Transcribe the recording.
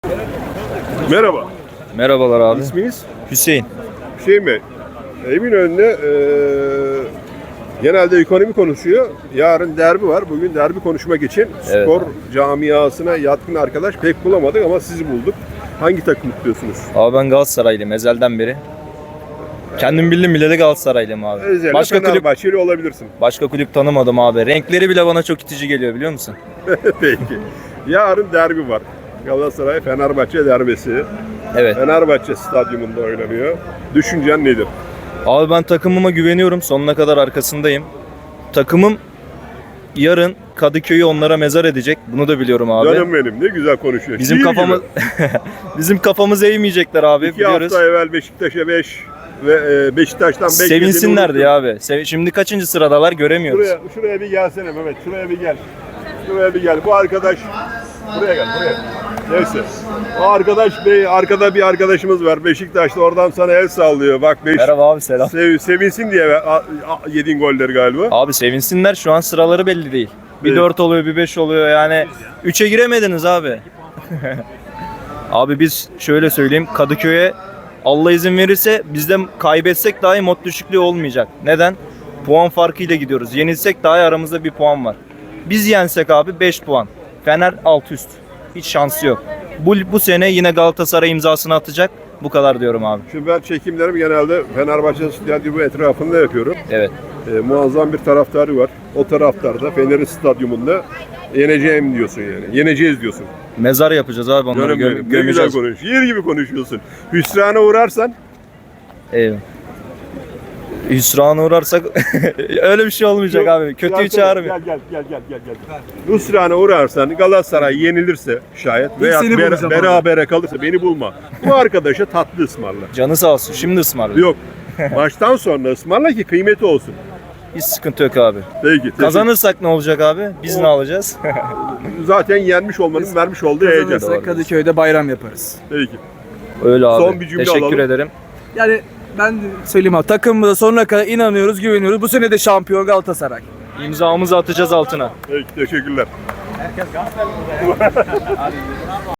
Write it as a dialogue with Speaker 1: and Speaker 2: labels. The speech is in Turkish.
Speaker 1: Merhaba.
Speaker 2: Merhabalar abi.
Speaker 1: İsminiz?
Speaker 2: Hüseyin.
Speaker 1: Hüseyin Bey. Eminönü'nde genelde ekonomi konuşuyor. Yarın derbi var. Bugün derbi konuşmak için
Speaker 2: Evet.
Speaker 1: spor camiasına yatkın arkadaş pek bulamadık ama sizi bulduk. Hangi takım tutuyorsunuz?
Speaker 2: Abi ben Galatasaraylıyım ezelden beri. Kendim bildim bile de Galatasaraylıyım abi.
Speaker 1: Özellikle
Speaker 2: Başka kulüp
Speaker 1: Fenerbahçeli olabilirsin.
Speaker 2: başka kulüp tanımadım abi. Renkleri bile bana çok itici geliyor biliyor musun?
Speaker 1: Peki. Yarın derbi var. Galatasaray Fenerbahçe derbisi.
Speaker 2: Evet.
Speaker 1: Fenerbahçe stadyumunda oynanıyor. Düşüncen nedir?
Speaker 2: Abi ben takımıma güveniyorum. Sonuna kadar arkasındayım. Takımım yarın Kadıköy'ü onlara mezar edecek. Bunu da biliyorum abi.
Speaker 1: Canım benim ne güzel konuşuyor.
Speaker 2: Bizim
Speaker 1: Şiir
Speaker 2: kafamız
Speaker 1: gibi.
Speaker 2: bizim kafamız eğmeyecekler abi
Speaker 1: 2
Speaker 2: biliyoruz.
Speaker 1: hafta evvel Beşiktaş'a 5 ve Beşiktaş'tan 5
Speaker 2: Sevinsinlerdi ya abi. Şimdi kaçıncı sıradalar göremiyoruz.
Speaker 1: Şuraya bir gelsene Mehmet. Şuraya bir gel. Şuraya bir gel. Bu arkadaş buraya gel. Buraya. Neyse. O arkadaş arkada bir arkadaşımız var. Beşiktaş'ta oradan sana el sallıyor. Bak
Speaker 2: Merhaba abi selam.
Speaker 1: sevinsin diye yediğin golleri galiba.
Speaker 2: Abi sevinsinler şu an sıraları belli değil. Bir
Speaker 1: Evet.
Speaker 2: 4 oluyor bir 5 oluyor yani 3'e giremediniz abi. Abi biz şöyle söyleyeyim Kadıköy'e Allah izin verirse bizde kaybetsek dahi mod düşüklüğü olmayacak. Neden? Puan farkıyla gidiyoruz. Yenilsek dahi aramızda bir puan var. Biz yensek abi 5 puan. Fener alt üst. Hiç şansı yok. Bu sene yine Galatasaray imzasını atacak. Bu kadar diyorum abi.
Speaker 1: Şimdi ben çekimlerimi genelde Fenerbahçe stadyumu etrafında yapıyorum.
Speaker 2: Evet.
Speaker 1: Muazzam bir taraftarı var. O taraftar da Fener'in stadyumunda yeneceğim diyorsun yani. Yeneceğiz diyorsun.
Speaker 2: Mezar yapacağız abi onları
Speaker 1: Canım benim, ne güzel
Speaker 2: gömeceğiz.
Speaker 1: konuşuyorsun. Yer gibi konuşuyorsun. Hüsrana uğrarsan
Speaker 2: Eyvallah. Hüsrana uğrarsak öyle bir şey olmayacak abi. Kötüyü
Speaker 1: Gelsene,
Speaker 2: çağırmıyor.
Speaker 1: Gel. Hüsrana uğrarsan Galatasaray yenilirse şayet veya
Speaker 3: seni bulacağım
Speaker 1: berabere kalırsa beni bulma. Bu arkadaşa tatlı ısmarla.
Speaker 2: Canı sağ olsun. Şimdi ısmarla.
Speaker 1: Yok. Maçtan sonra ısmarla ki kıymeti olsun.
Speaker 2: Hiç sıkıntı yok abi.
Speaker 1: Peki.
Speaker 2: Kazanırsak ne olacak abi? Biz ne alacağız?
Speaker 1: Zaten yenmiş olmanın vermiş olduğu heyecan.
Speaker 3: Kazanırsak Kadıköy'de bayram yaparız.
Speaker 1: Peki.
Speaker 2: Öyle abi.
Speaker 1: Son bir cümle
Speaker 2: Teşekkür
Speaker 1: alalım.
Speaker 2: ederim.
Speaker 3: Yani ben söyleyeyim abi takımımıza sonuna kadar inanıyoruz, güveniyoruz. Bu sene de şampiyon Galatasaray.
Speaker 2: İmzamızı atacağız altına.
Speaker 1: Peki. Teşekkürler.